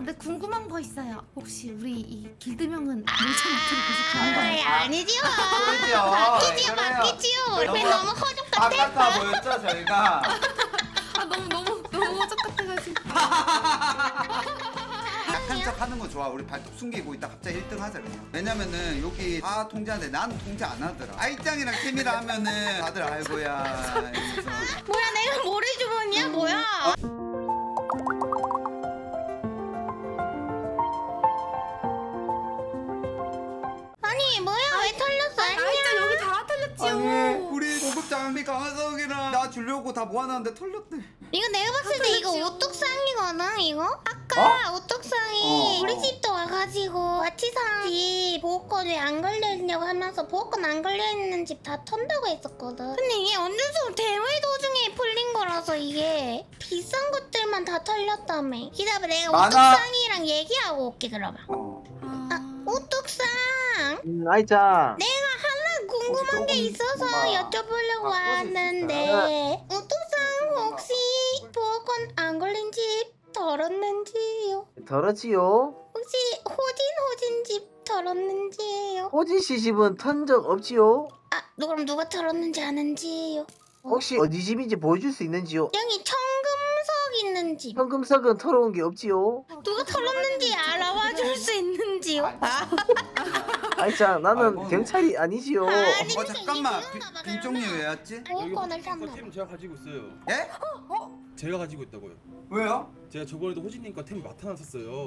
근데 궁금한 거 있어요. 혹시 우리 이 길드명은 물총 앞으로 계속 가는 거예요? 아니지요. 그렇죠. 바뀌지요. 우리 너무 허접 같아. 바깥아 보였죠 저희가. 아 너무 똑같아가지고. 약한 척 하는 거 좋아. 우리 발톱 숨기고 있다 갑자기 1등 하자 그냥. 왜냐면은 여기 다 통제하는데 난 통제 안 하더라. 아이짱이랑 팀이라 하면은 다들 알고야. 이러면서. 뭐야 내가 모래주머니야 뭐야? 아니 뭐야 왜 털렸어? 진짜 여기 다 아니 털렸지요. 우리 고급 장비 강화석이랑 나 주려고 다 모아놨는데 털렸대. 이거 내가 봤을 때 이거 털렸지요. 오뚝상이거든 이거? 아까 오뚝상이 어. 우리 집도 와가지고 와치상 집 보호권 왜 안 걸려있냐고 하면서 보호권 안 걸려있는 집 다 턴다고 했었거든. 근데 이게 언제서 대회 도중에 풀린 거라서 이게 비싼 것들만 다 털렸다며. 기다려 내가 많아. 오뚝상이랑 얘기하고 올게 그러면. 아 오뚝상 아이짱. 내가 하나 궁금한 게 있어서 여쭤보려고 바꿔줄 수 왔는데 오뚝상 혹시 보호권 안 걸린 집 털었는지요? 더러지요? 혹시 호진 집 털었는지요? 호진씨 집은 턴 적 없지요? 아 그럼 누가 털었는지 아는지요? 혹시 어디 집인지 보여줄 수 있는지요? 여기 청금석 있는 집 현금석은 털어온 게 없지요? 누가 털었는지 알아봐 줄 수 있는지요? 아이짱 나는 아이고. 경찰이 아니지요. 아니, 잠깐만. 이게 그런가 봐, 빈종님 그러면. 왜 왔지? 보호권을 탔나 팀 제가 가지고 있어요. 예? 제가 가지고 있다고요. 왜요? 제가 저번에도 호진님 거 템 맡아놨었어요.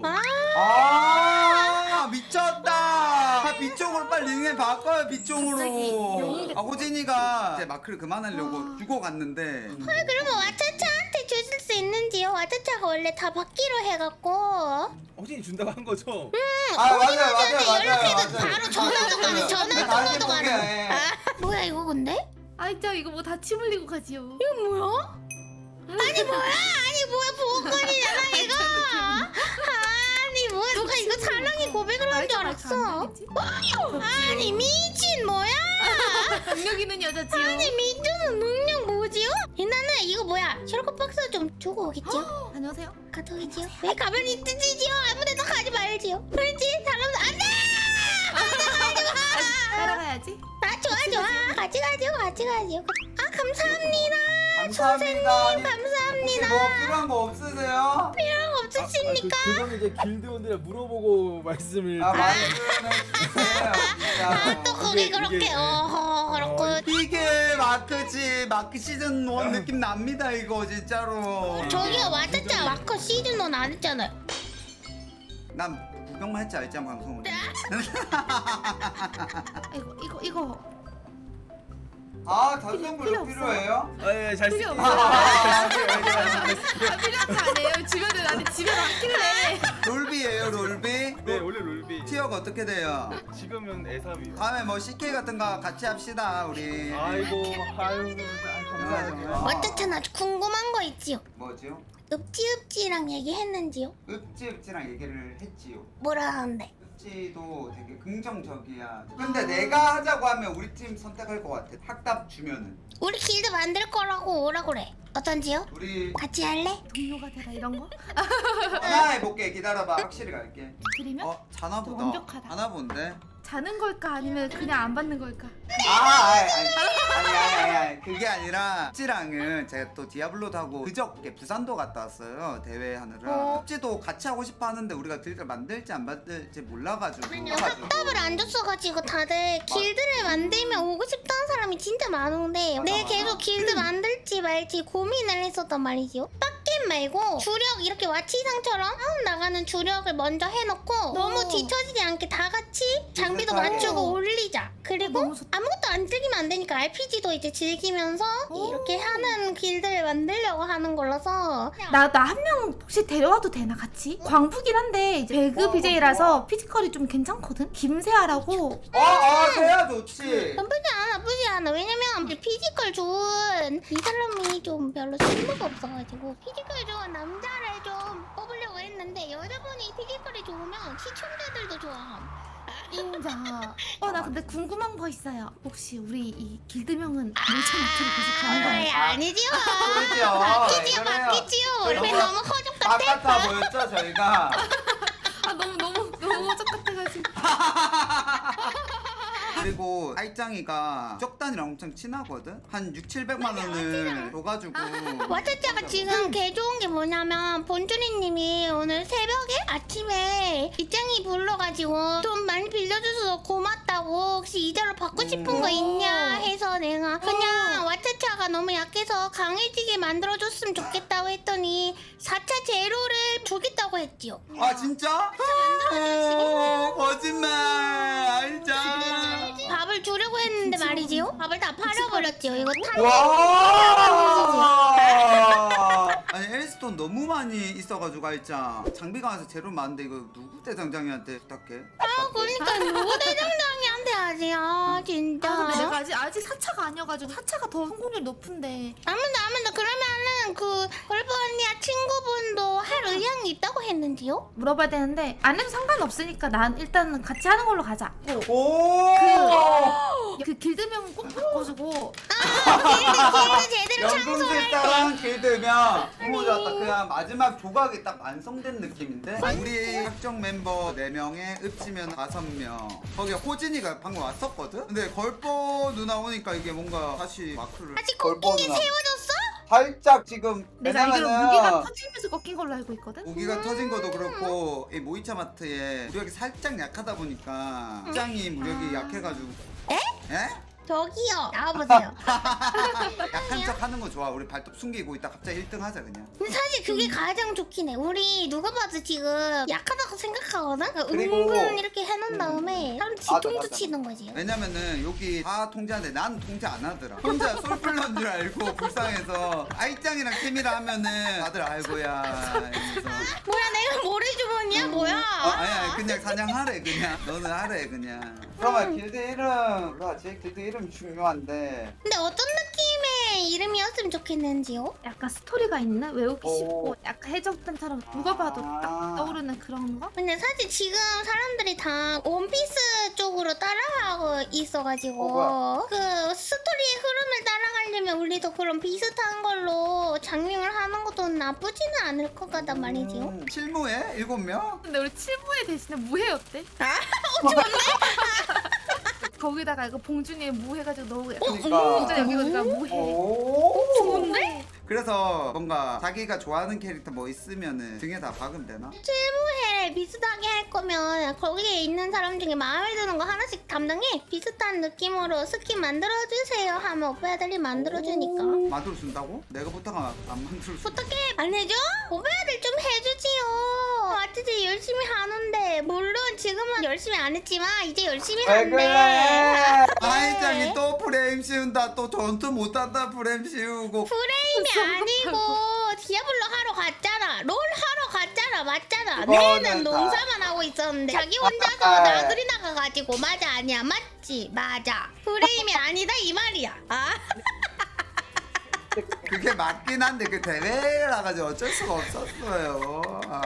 아 미쳤다. 아, 빗종으로 빨리 닉네임 바꿔요 빗종으로. 갑자기 아 호진이가 이제 마크를 그만하려고 주고 갔는데. 그러면 와차차한테 주실 수 있는지요? 와차차가 원래 다 받기로 해갖고 호진이 준다고 한 거죠? 아 맞아요. 연락해도 바로 전화도 가네 전화 다시 통화도 가네. 볼게. 아 뭐야 이거 근데? 아이짜 이거 뭐 다 침 흘리고 가지요. 이거 뭐야? 아니 뭐야 보호권이잖아 이거. 아니 뭐야 누가 이거 사랑의 고백을 한 줄 알았어. 아니 미친 뭐야? 능력 있는 여자지요. 아니 민준은 능력 뭐지요? 나는 이거 뭐야 셜록 박스 좀 주고 오겠지요? 안녕하세요. 갔다 오겠지요? 왜 가만히 뜨지지요? 아무데나 가지 말지요. 그렇지 사람도 안돼. 따라가야지. 아 좋아 같이 가지요. 아 감사합니다. 감사합니다. 아니, 감사합니다. 혹시 뭐 필요한 거 없으세요? 필요한 거 없으십니까? 그거는 이제 길드원들이 물어보고 말씀을. 아 말씀해 주세요. 진짜. 또 거기 이게- 그렇게 이게- 그렇고 이게 마크지. 마크 시즌 1 느낌 납니다 이거 진짜로. 저기가 와짜짜 마커 시즌 1 안 했잖아요. 난 구경만 했지 알짱 방송을. 이거. 아 단성불 필요 필요해요? 잘 필요 쓰. 없어요. 아, 필요한 거 아니에요. 주변에 아니 집에 많길래. 롤비예요 롤비? 네 원래 롤비. 티어가 어떻게 돼요? 지금은 애삼이요. 다음에 뭐 CK 같은 거 같이 합시다 우리. 아이고 아유 감사합니다. 어쨌든 아주 궁금한 거 있지요. 뭐지요? 읍지읍지랑 얘기했는지요? 읍지읍지랑 얘기를 했지요. 뭐라 하는데? 읍지도 되게 긍정적이야. 근데 내가 하자고 하면 우리 팀 선택할 것 같아. 학답 주면은. 우리 길드 만들 거라고 오라 그래. 어떤지요? 우리 같이 할래? 동료가 되라 이런 거? 하나 해볼게. 기다려봐. 확실히 갈게. 드리면 자나 보다. 완벽하다. 자나 본데. 자는 걸까 아니면 그냥 안 받는 걸까? 아니 그게 아니라 읍지랑은 제가 또 디아블로도 하고 그저께 부산도 갔다 왔어요 대회 하느라. 읍지도 같이 하고 싶어 하는데 우리가 길드를 만들지 안 만들지 몰라가지고. 답을 안 줬어가지고 다들 길드를 만들면 오고 싶다는 사람이 진짜 많은데 내가 계속 길드 만들지 말지 고민을 했었단 말이지요. 빡겜 말고 주력 이렇게 와치상처럼 나가는 주력을 먼저 해놓고 너무 뒤처지지 않게 다 같이 장비도 비슷하게. 맞추고 올리자. 그리고 너무 좋다. 아무것도 안 즐기면 안 되니까 RPG도 이제 즐기면서 이렇게 하는 길드를 만들려고 하는 거라서 나 한 명 혹시 데려와도 되나 같이? 광부긴 한데 이제 배그 BJ라서 피지컬이 좀 괜찮거든? 김세아라고. 돼야 좋지. 나쁘지 않아. 왜냐면 피지컬 좋은 이 사람이 좀 별로 쓸모가 없어가지고 피지컬 좋은 남자를 좀 뽑으려고 했는데 여자분이 피지컬이 좋으면 시청자들도 좋아함. 인자. 나 근데 궁금한 거 있어요. 혹시 우리 이 길드명은 물총 앞으로 계속 가는 거예요? 아니지요. 그렇죠. 바뀌지요. 우리 너무 허접 같아. 바깥아 보였죠 저희가. 그리고 알짱이가 쪽단이랑 엄청 친하거든? 한 6, 700만 원을 줘가지고 와차차가 지금 개 좋은 게 뭐냐면 본주리님이 오늘 새벽에 아침에 이짱이 불러가지고 돈 많이 빌려줘서 고맙다고 혹시 이자로 받고 싶은 거 있냐 해서 내가 그냥 와차차가 너무 약해서 강해지게 만들어줬으면 좋겠다고 했더니 4차 제로를 주겠다고 했지요. 아 진짜? 오, 거짓말 알짱 밥을 주려고 했는데 말이지요. 밥을 다 팔아버렸지요. 이거 와 아니 엘스톤 너무 많이 있어가지고 알짱 장비가 와서 제로 많은데 이거 누구 대장장이한테 부탁해? 그러니까 누구 대장장이한테 하지? 아 진짜. 아 근데 내가 아직 4차가 아니어가지고 4차가 더 성공률 높은데. 아무나 그러면은 그 걸프 언니야 친구분도 할 의향이 있다고 했는지요? 물어봐야 되는데 안 해도 상관없으니까 난 일단은 같이 하는 걸로 가자. 오 그 길드명 꼭 바꿔주고 길드 제대로 연금술 따랑 길들면 너무 좋았다. 그냥 마지막 조각이 딱 완성된 느낌인데 우리 학정 멤버 4명에 읍지면 5명 거기에 호진이가 방금 왔었거든? 근데 걸보 누나 오니까 이게 뭔가 다시 마크를 아직 꺾이게 세워졌어? 살짝 지금 내가 알기로 무기가 터지면서 꺾인 걸로 알고 있거든? 무기가 터진 것도 그렇고 이 모이차 마트에 무력이 살짝 약하다 보니까 짱이 무력이 약해가지고 에? 에? 저기요 나와보세요. 약한 척 하는 거 좋아. 우리 발톱 숨기고 있다 갑자기 1등 하자 그냥. 근데 사실 그게 가장 좋긴 해. 우리 누가 봐도 지금 약하다고 생각하거든? 그러니까 그리고- 은근 이렇게 해놓은 다음에 사람 뒤통수 맞아. 치는 거지. 왜냐면은 여기 다 통제하는데 난 통제 안 하더라. 혼자 솔플러인 줄 알고 불쌍해서 아이짱이랑 팀이라 하면은 다들 아이고야 이러면서 뭐야 내가 모래주머니야 뭐야? 아니야 그냥 사냥하래 그냥 너는 하래 그냥. 그러면 길드 이름 몰라지? 길드 이름 중요한데 근데 어떤 느낌의 이름이었으면 좋겠는지요? 약간 스토리가 있는 외우기 오. 쉽고 약간 해적단처럼 누가 봐도 아. 딱 떠오르는 그런 거? 근데 사실 지금 사람들이 다 원피스 쪽으로 따라가고 있어가지고 그 스토리의 흐름을 따라가려면 우리도 그런 비슷한 걸로 장명을 하는 것도 나쁘지는 않을 것 같단 말이지요. 실무에 7명? 근데 우리 칠무에 대신에 무해 어때? 거기다가 이거 봉준이의 무 해가지고 넣고 그러니까. 봉준이 여기다가 무해. 오 좋은데? 그래서 뭔가 자기가 좋아하는 캐릭터 뭐 있으면은 등에 다 박으면 되나? 실무회 비슷하게 할 거면 거기에 있는 사람 중에 마음에 드는 거 하나씩 담당해. 비슷한 느낌으로 스킨 만들어주세요 하면 오빠들이 만들어주니까. 만들어준다고? 내가 부탁하면 안 만들어줘. 어떻게 안 해줘? 오빠들 좀 해주지요. 마트지 열심히 하는데 물론 지금은 열심히 안 했지만 이제 열심히 한대. 아이짱이 또 프레임 씌운다. 또 전투 못한다 프레임 씌우고. 프레임이 아니고 디아블로 하러 갔잖아. 롤 하러 갔잖아. 맞잖아. 이거는 내는 다- 농사만 하고 있었는데 자기 혼자서 아. 나들이 나가가지고 맞아 아니야 맞지 맞아. 프레임이 아니다 이 말이야. 아? 그게 맞긴 한데 그 대회라 가지고 어쩔 수가 없었어요.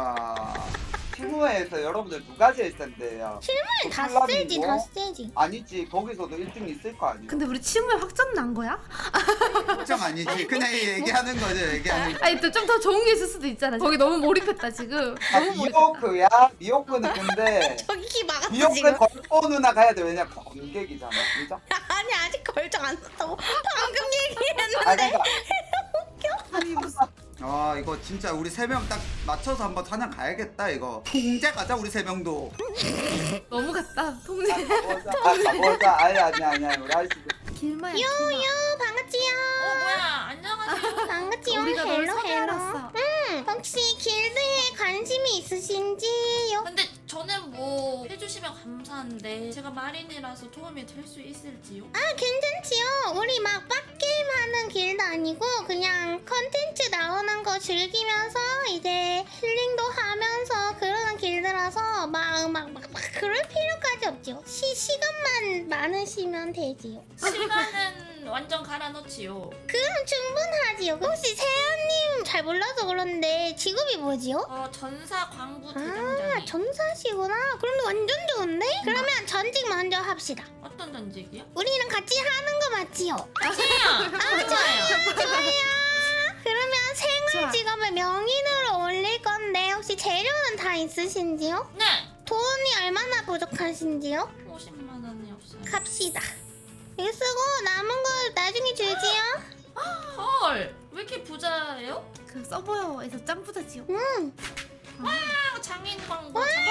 실무회에서 여러분들 누가 제일 센데요? 실물은 다 콜라비고? 세지 다 세지. 아니지 거기서도 1등 있을 거 아니야. 근데 우리 칠무에 확정 난 거야? 걱정 아니지. 그냥 얘기하는 거죠 얘기하는 거. 아니 또 좀 더 좋은 게 있을 수도 있잖아. 거기 너무 몰입했다 지금. 아 너무 몰입했다. 미호크야? 미호크는 근데 저기 막았어 미호크 지금. 걸보 누나 가야 돼. 왜냐 검객이잖아. 그죠? 아니 아직 결정 안 썼다고 방금 아 얘기했는데. 그러니까 아니 무슨 아 이거 진짜 우리 3명 딱 맞춰서 한번 사냥 가야겠다 이거. 통제 가자 우리 3명도. 너무 같다. 통제. 가보자. 아니야 우리 할 수 있어. 길마야. 유유 반갑지요. 뭐야 안녕하세요. 반갑지요. 우리가 널 헬로 헬로. 섭외해놨어. 혹시 길드에 관심이 있으신지요? 근데 저는 뭐 해주시면 감사한데 제가 마린이라서 도움이 될 수 있을지요? 아 괜찮지요. 우리 막 빡게임 하는 길드 아니고 그냥 컨텐츠 나오는 거 즐기면서 이제 힐링도 하면서 그러는 길드라서 막 그럴 필요까지 없지요. 시간만 많으시면 되지요. 시간은 완전 갈아넣지요. 그럼 충분하지요. 혹시 세연님 잘 몰라서 그런데 직업이 뭐지요? 전사 광부 아 대장장이. 전사시구나. 그럼 완전 좋은데? 그러면 전직 먼저 합시다. 어떤 전직이요? 우리랑 같이 하는 거 맞지요? 좋아요. 그러면 생활 좋아. 직업을 명인으로 올릴 건데 혹시 재료는 다 있으신지요? 네 돈이 얼마나 부족하신지요? 50만 원이 없어요. 갑시다. 이거 쓰고 남은 거 나중에 줄지요? 헐, 왜 이렇게 부자예요? 그 서버에서 짱 부자지요. 응. 아, 장인 광고. 장인